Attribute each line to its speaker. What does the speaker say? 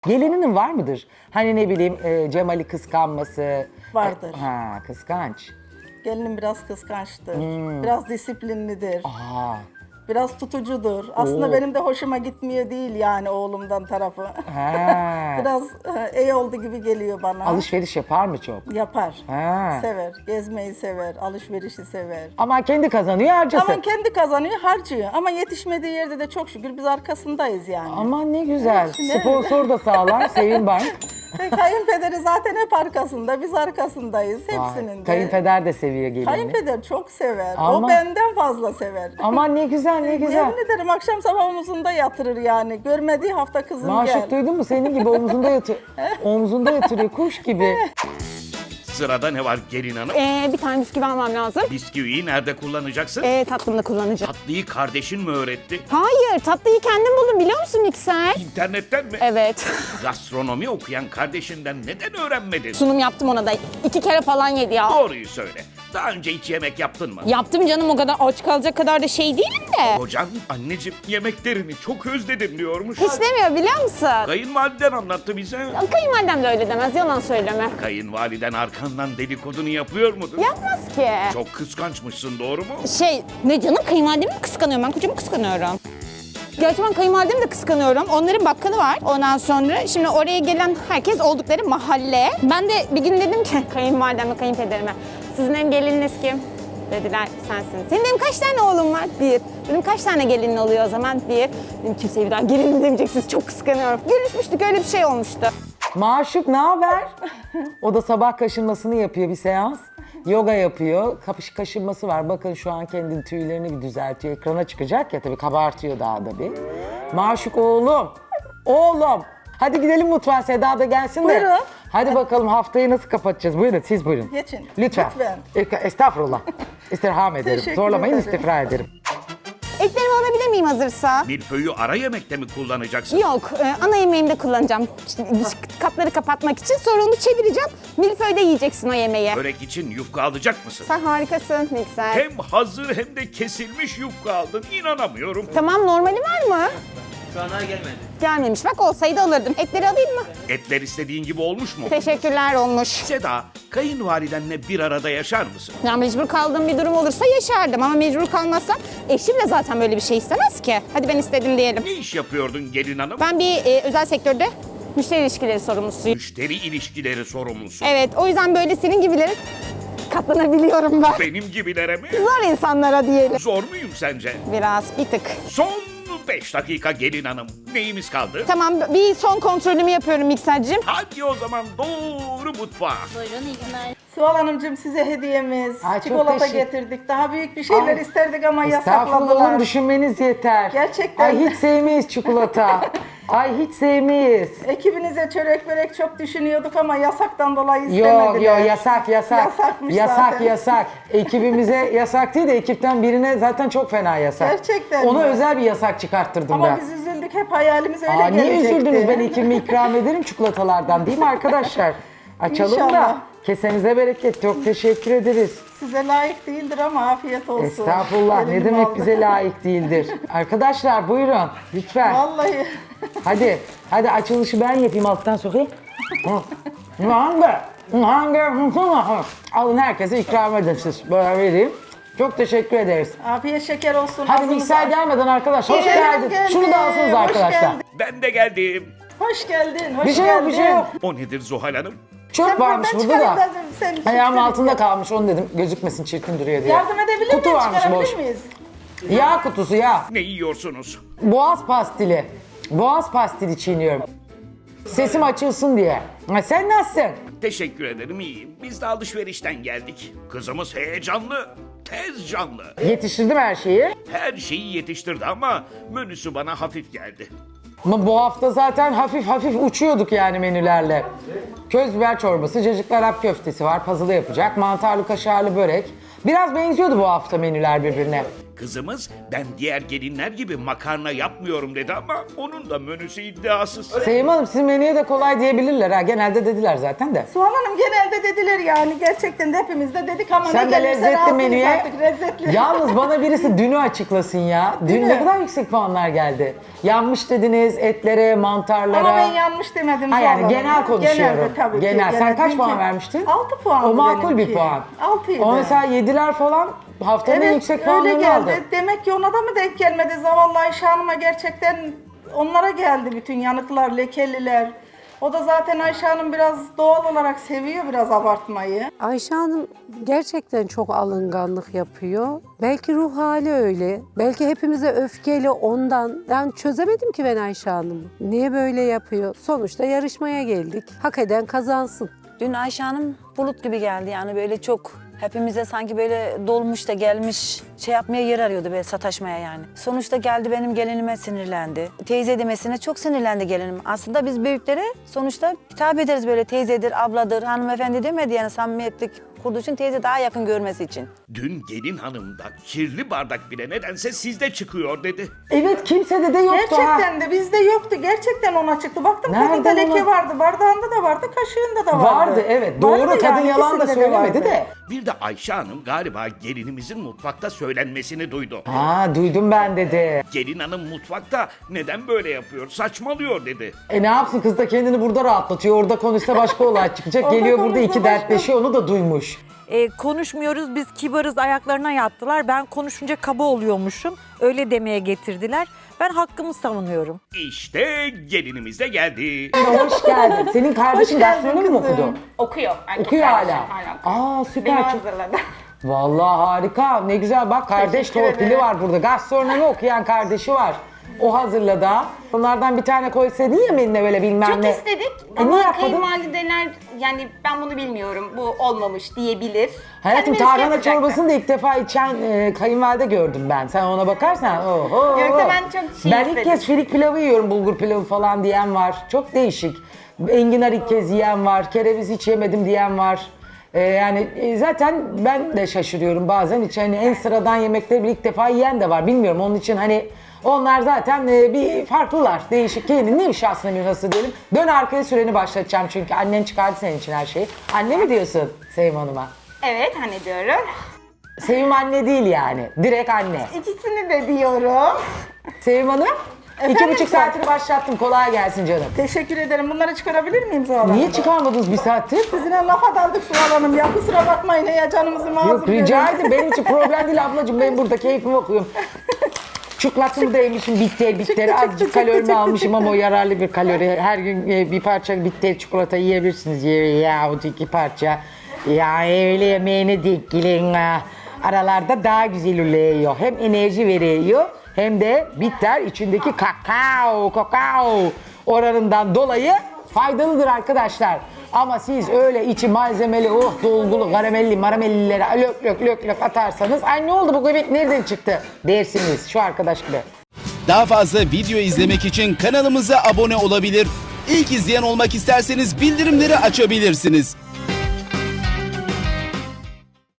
Speaker 1: Gelininin var mıdır? Hani ne bileyim Cemal'i kıskanması.
Speaker 2: Vardır.
Speaker 1: Ha, kıskanç.
Speaker 2: Gelinim biraz kıskançtır. Biraz disiplinlidir.
Speaker 1: Aa,
Speaker 2: Biraz tutucudur. Aslında
Speaker 1: Oo.
Speaker 2: benim de hoşuma gitmiyor değil yani oğlumdan tarafı.
Speaker 1: ha.
Speaker 2: Biraz iyi oldu gibi geliyor bana.
Speaker 1: Alışveriş yapar mı çok?
Speaker 2: Yapar.
Speaker 1: Ha.
Speaker 2: Sever. Gezmeyi sever. Alışverişi sever.
Speaker 1: Ama kendi kazanıyor harcasın.
Speaker 2: Ama kendi kazanıyor, harcıyor. Ama yetişmediği yerde de çok şükür biz arkasındayız yani.
Speaker 1: Aman ne güzel.
Speaker 2: Ne?
Speaker 1: Sponsor da sağlar Sevim Bank.
Speaker 2: Kayınpederi zaten hep arkasında, biz arkasındayız hepsinin de.
Speaker 1: Kayınpeder de seviyor gelini.
Speaker 2: Kayınpeder çok sever.
Speaker 1: Ama-
Speaker 2: O benden fazla sever.
Speaker 1: Aman ne güzel ne güzel.
Speaker 2: Yemin ederim akşam sabah omuzunda yatırır yani. Görmediği hafta kızım gel.
Speaker 1: Maşuk duydun mu? Senin gibi omzunda yatıyor. Omzunda yatırıyor kuş gibi.
Speaker 3: Sırada ne var gelin hanım?
Speaker 4: Bir tane bisküvi almam lazım.
Speaker 3: Bisküviyi nerede kullanacaksın?
Speaker 4: Tatlımda kullanacağım.
Speaker 3: Tatlıyı kardeşin mi öğretti?
Speaker 4: Hayır, tatlıyı kendim buldum biliyor musun mikser?
Speaker 3: İnternetten mi?
Speaker 4: Evet.
Speaker 3: Gastronomi okuyan kardeşinden neden öğrenmedin?
Speaker 4: Sunum yaptım ona da. 2 kere falan yedi ya.
Speaker 3: Doğruyu söyle. Daha önce hiç yemek yaptın mı?
Speaker 4: Yaptım canım, o kadar aç kalacak kadar da şey değilim de.
Speaker 3: Kocan anneciğim yemeklerini çok özledim diyormuş.
Speaker 4: Hiç demiyor biliyor musun?
Speaker 3: Kayınvaliden anlattı bize.
Speaker 4: Kayınvalidem de öyle demez, yalan söyleme.
Speaker 3: Kayınvaliden arkandan dedikodunu yapıyor mudur?
Speaker 4: Yapmaz ki.
Speaker 3: Çok kıskançmışsın doğru mu?
Speaker 4: Ne canım, kayınvalidemi mi kıskanıyorum? Ben kocamı kıskanıyorum. Gerçi ben kayınvalidemi de kıskanıyorum. Onların bakkalı var. Ondan sonra şimdi oraya gelen herkes oldukları mahalle. Ben de bir gün dedim ki kayınvalideme, kayınpederime, sizin hem gelininiz kim? Dediler sensin. Senin dedim kaç tane oğlum var? 1. Dedim kaç tane gelinin oluyor o zaman? 1. Dedim kimseye bir daha gelin demeyeceksiniz. Çok kıskanıyorum. Görüşmüştük, öyle bir şey olmuştu.
Speaker 1: Maşuk ne haber? O da sabah kaşınmasını yapıyor bir seans. Yoga yapıyor. Kaşınması var. Bakın şu an kendi tüylerini bir düzeltiyor. Ekrana çıkacak ya tabii kabartıyor daha da bir. Maşuk oğlum. Oğlum. Hadi gidelim mutfağa, Seda da gelsin de.
Speaker 2: Buyurun.
Speaker 1: Hadi bakalım haftayı nasıl kapatacağız? Buyurun siz buyurun.
Speaker 2: Geçin.
Speaker 1: Lütfen. Estağfurullah. İstirham ederim.
Speaker 2: Teşekkür
Speaker 1: Zorlamayın,
Speaker 2: ederim.
Speaker 1: istifra ederim.
Speaker 4: Etlerimi alabilir miyim hazırsa?
Speaker 3: Milföyü ara yemekte mi kullanacaksın?
Speaker 4: Yok, ana yemeğimde kullanacağım. İşte dış kapları kapatmak için. Sonra onu çevireceğim. Milföy'de yiyeceksin o yemeği.
Speaker 3: Börek için yufka alacak mısın?
Speaker 4: Sen harikasın mikser.
Speaker 3: Hem hazır hem de kesilmiş yufka aldın. İnanamıyorum.
Speaker 4: Tamam, normali var mı?
Speaker 5: Şu ana gelmedi.
Speaker 4: Gelmemiş. Bak olsaydı alırdım. Etleri alayım mı?
Speaker 3: Etler istediğin gibi olmuş mu?
Speaker 4: Teşekkürler, olmuş.
Speaker 3: Seda, kayınvalidenle bir arada yaşar mısın?
Speaker 4: Ya mecbur kaldığım bir durum olursa yaşardım ama mecbur kalmazsam eşim de zaten böyle bir şey istemez ki. Hadi ben istedim diyelim.
Speaker 3: Ne iş yapıyordun gelin hanım?
Speaker 4: Ben bir özel sektörde müşteri ilişkileri sorumlusuyum.
Speaker 3: Müşteri ilişkileri sorumlusu.
Speaker 4: Evet, o yüzden böyle senin gibilere katlanabiliyorum ben.
Speaker 3: Benim gibilere mi?
Speaker 4: Zor insanlara diyelim.
Speaker 3: Zor muyum sence?
Speaker 4: Biraz, bir tık.
Speaker 3: Son 5 dakika gelin hanım. Neyimiz kaldı?
Speaker 4: Tamam, bir son kontrolümü yapıyorum miksercim.
Speaker 3: Hadi o zaman doğru mutfağa.
Speaker 6: Buyurun iyi günler.
Speaker 2: Sual Hanımcığım size hediyemiz.
Speaker 1: Ay, çok
Speaker 2: Çikolata
Speaker 1: teşekkür-
Speaker 2: getirdik. Daha büyük bir şeyler
Speaker 1: Ay,
Speaker 2: isterdik ama
Speaker 1: Estağfurullah
Speaker 2: yasakladılar.
Speaker 1: oğlum, düşünmeniz yeter.
Speaker 2: Gerçekten.
Speaker 1: Ay hiç sevmeyiz çikolata. Ay hiç sevmeyiz.
Speaker 2: Ekibinize çörek börek çok düşünüyorduk ama yasaktan dolayı
Speaker 1: Yok
Speaker 2: istemediler.
Speaker 1: yok yasak.
Speaker 2: Yasakmış
Speaker 1: yasak
Speaker 2: zaten.
Speaker 1: yasak. Ekibimize yasak değil de ekipten birine zaten çok fena yasak.
Speaker 2: Gerçekten
Speaker 1: Ona
Speaker 2: mi?
Speaker 1: özel bir yasak çıkarttırdım
Speaker 2: Ama
Speaker 1: ben.
Speaker 2: biz üzüldük, hep hayalimiz öyle
Speaker 1: Aa, niye
Speaker 2: gelecekti.
Speaker 1: üzüldünüz? Ben ekibime ikram ederim çikolatalardan değil mi arkadaşlar? Açalım da
Speaker 2: İnşallah.
Speaker 1: kesenize bereket. Çok teşekkür ederiz.
Speaker 2: Size layık değildir ama afiyet olsun.
Speaker 1: Estağfurullah, ne
Speaker 2: Elim
Speaker 1: demek
Speaker 2: aldı.
Speaker 1: bize layık değildir. Arkadaşlar buyurun lütfen.
Speaker 2: Vallahi.
Speaker 1: Hadi açılışı ben yapayım, alttan sokayım. Hangi? Alın, herkese ikram edin siz. Böyle vereyim. Çok teşekkür ederiz.
Speaker 2: Afiyet şeker olsun.
Speaker 1: Hadi
Speaker 2: ağzınıza-
Speaker 1: mikser gelmeden arkadaşlar. Hoş
Speaker 2: Geldim,
Speaker 1: geldin. Şunu da alsınız
Speaker 2: hoş
Speaker 1: arkadaşlar.
Speaker 2: geldin.
Speaker 3: Ben de geldim.
Speaker 2: Hoş geldin, hoş
Speaker 1: Bir şey yok, bir şey yok.
Speaker 3: O nedir Zuhal Hanım?
Speaker 1: Çok
Speaker 2: Sen
Speaker 1: varmış
Speaker 2: buradan
Speaker 1: burada
Speaker 2: çıkarın
Speaker 1: da.
Speaker 2: sen
Speaker 1: Ayağımın
Speaker 2: çıkarın.
Speaker 1: altında kalmış, onu dedim gözükmesin, çirkin duruyor diye.
Speaker 2: Yardım edebilir
Speaker 1: Kutu
Speaker 2: miyim?
Speaker 1: varmış
Speaker 2: Çıkarabilir
Speaker 1: boş.
Speaker 2: miyiz?
Speaker 1: Yağ kutusu ya.
Speaker 3: Ne yiyorsunuz?
Speaker 1: Boğaz pastili. Boğaz pastili çiğniyorum. Sesim açılsın diye. Ha, sen nasılsın?
Speaker 3: Teşekkür ederim iyiyim. Biz de alışverişten geldik. Kızımız heyecanlı, tez canlı.
Speaker 1: Yetiştirdim her şeyi.
Speaker 3: Her şeyi yetiştirdi ama menüsü bana hafif geldi.
Speaker 1: Ama bu hafta zaten hafif hafif uçuyorduk yani menülerle. Köz biber çorbası, cacıklı Arap köftesi var, puzzle yapacak, mantarlı kaşarlı börek. Biraz benziyordu bu hafta menüler birbirine.
Speaker 3: Kızımız ben diğer gelinler gibi makarna yapmıyorum dedi ama onun da menüsü iddiasız.
Speaker 1: Sevim Hanım sizin menüye de kolay diyebilirler ha. Genelde dediler zaten de.
Speaker 2: Soğan Hanım genelde dediler yani gerçekten de hepimiz de dedik ama
Speaker 1: Sen
Speaker 2: ne
Speaker 1: de
Speaker 2: gelirse
Speaker 1: lezzetli
Speaker 2: razıyız
Speaker 1: menüye.
Speaker 2: artık, lezzetli.
Speaker 1: Yalnız bana birisi dünü açıklasın ya. Dün ne kadar yüksek puanlar geldi. Yanmış dediniz etlere, mantarlara.
Speaker 2: Ama ben yanlış demedim.
Speaker 1: Ha
Speaker 2: Soğan
Speaker 1: yani
Speaker 2: Hanım.
Speaker 1: genel konuşuyorum.
Speaker 2: Genelde tabii ki.
Speaker 1: Genel. Sen kaç
Speaker 2: Dünkü-
Speaker 1: puan vermiştin?
Speaker 2: 6 puan.
Speaker 1: O makul bir puan.
Speaker 2: 6'ydı.
Speaker 1: O mesela 7'ler falan haftanın en yüksek
Speaker 2: öyle
Speaker 1: puanlarını
Speaker 2: geldi.
Speaker 1: aldı.
Speaker 2: Demek ki ona da mı denk gelmedi? Zavallı Ayşe Hanım'a gerçekten onlara geldi bütün yanıklar, lekeliler. O da zaten Ayşe Hanım biraz doğal olarak seviyor biraz abartmayı.
Speaker 6: Ayşe Hanım gerçekten çok alınganlık yapıyor. Belki ruh hali öyle. Belki hepimize öfkeli ondan. Yani çözemedim ki ben Ayşe Hanım'ı. Niye böyle yapıyor? Sonuçta yarışmaya geldik. Hak eden kazansın.
Speaker 7: Dün Ayşe Hanım bulut gibi geldi yani böyle çok hepimize sanki böyle dolmuş da gelmiş şey yapmaya yer arıyordu böyle sataşmaya yani. Sonuçta geldi benim gelinime sinirlendi. Teyze demesine çok sinirlendi gelinim. Aslında biz büyüklere sonuçta hitap ederiz böyle teyzedir, abladır, hanımefendi demedi yani samimiyetlik kurduğu için teyze daha yakın görmesi için.
Speaker 3: Dün gelin hanımda kirli bardak bile nedense sizde çıkıyor dedi.
Speaker 1: Evet kimsede de yoktu ha.
Speaker 2: Gerçekten de bizde yoktu. Gerçekten ona çıktı. Baktım
Speaker 1: Nereden
Speaker 2: kadında leke
Speaker 1: ona?
Speaker 2: vardı. Bardağında da vardı, kaşığında da vardı.
Speaker 1: Vardı evet. Doğru
Speaker 2: Vardı
Speaker 1: kadın
Speaker 2: yani,
Speaker 1: yalan da
Speaker 2: ikisinde
Speaker 1: söylemedi
Speaker 2: vardı.
Speaker 1: de.
Speaker 3: Bir de Ayşe Hanım galiba gelinimizin mutfakta söylenmesini duydu.
Speaker 1: Ha duydum ben dedi.
Speaker 3: Gelin hanım mutfakta neden böyle yapıyor, saçmalıyor dedi.
Speaker 1: Ne yapsın kız da kendini burada rahatlatıyor. Orada konuşsa başka olay çıkacak.
Speaker 2: Orada
Speaker 1: Geliyor burada
Speaker 2: konuşsa
Speaker 1: iki
Speaker 2: başka.
Speaker 1: dertleşiyor onu da duymuş.
Speaker 8: Konuşmuyoruz biz kibarız ayaklarına yattılar. Ben konuşunca kaba oluyormuşum. Öyle demeye getirdiler. Ben hakkımı savunuyorum.
Speaker 3: İşte gelinimiz de geldi.
Speaker 1: Hoş geldin. Senin kardeşin
Speaker 2: Hoş geldin
Speaker 1: gastronomi mi
Speaker 2: kızım.
Speaker 1: okudu?
Speaker 4: Okuyor. Erkek
Speaker 1: Okuyor
Speaker 4: kardeşim,
Speaker 1: hala. Aa süper.
Speaker 4: Beni
Speaker 1: Çok-
Speaker 4: hazırladı.
Speaker 1: Vallahi harika. Ne güzel bak kardeş
Speaker 2: Teşekkür
Speaker 1: torpili
Speaker 2: ederim.
Speaker 1: var burada. Gastronomi okuyan kardeşi var. O hazırladı ha. Onlardan bir tane koysaydın yemeğine böyle bilmem
Speaker 4: Çok
Speaker 1: ne.
Speaker 4: istedik
Speaker 1: niye
Speaker 4: ama
Speaker 1: yapmadın?
Speaker 4: kayınvalideler yani ben bunu bilmiyorum, bu olmamış diyebilir.
Speaker 1: Hayatım
Speaker 4: Kendimiz
Speaker 1: tarhana
Speaker 4: yapacaktı.
Speaker 1: çorbasını da ilk defa içen kayınvalide gördüm ben. Sen ona bakarsan oho.
Speaker 4: Yoksa ben çok şey
Speaker 1: Ben ilk
Speaker 4: istedim.
Speaker 1: kez firik pilavı yiyorum, bulgur pilavı falan diyen var. Çok değişik. Enginar ilk kez yiyen var, kereviz hiç yemedim diyen var. Zaten ben de şaşırıyorum bazen hiç hani en sıradan yemekleri bir ilk defa yiyen de var. Bilmiyorum onun için hani onlar zaten bir farklılar, değişik. Kendini şahsına bir nasıl diyelim. Dön arkaya süreni başlatacağım çünkü annen çıkardı senin için her şeyi. Anne mi diyorsun Sevim Hanım'a?
Speaker 4: Evet hani diyorum.
Speaker 1: Sevim anne değil yani. Direkt anne.
Speaker 4: İkisini de diyorum.
Speaker 1: Sevim Hanım,
Speaker 2: Efendim
Speaker 1: 2,5 saatini başlattım. Kolay gelsin canım.
Speaker 2: Teşekkür ederim. Bunları çıkarabilir miyim Zuhal Hanım?
Speaker 1: Niye çıkarmadınız bir saattir?
Speaker 2: Sizinle lafa daldık Zuhal Hanım ya. Kusura bakmayın ya canımızı mazur
Speaker 1: Yok rica ederim. Benim için problem değil ablacığım. Ben burada keyfimi okuyorum. Çikolatamı da yemişim bitter. Azıcık kalorimi almışım ama o yararlı bir kalori. Her gün bir parça bitter çikolata yiyebilirsiniz. Yahut 2 parça. Ya öyle yemeğine denk gelin ha. Aralarda daha güzel oluyor. Hem enerji veriyor hem de bitter içindeki kakao oranından dolayı faydalıdır arkadaşlar. Ama siz öyle içi malzemeli, dolgulu, karamelli, maramellileri lök atarsanız ay ne oldu bu göbek nereden çıktı dersiniz şu arkadaş gibi.
Speaker 9: Daha fazla video izlemek için kanalımıza abone olabilir. İlk izleyen olmak isterseniz bildirimleri açabilirsiniz.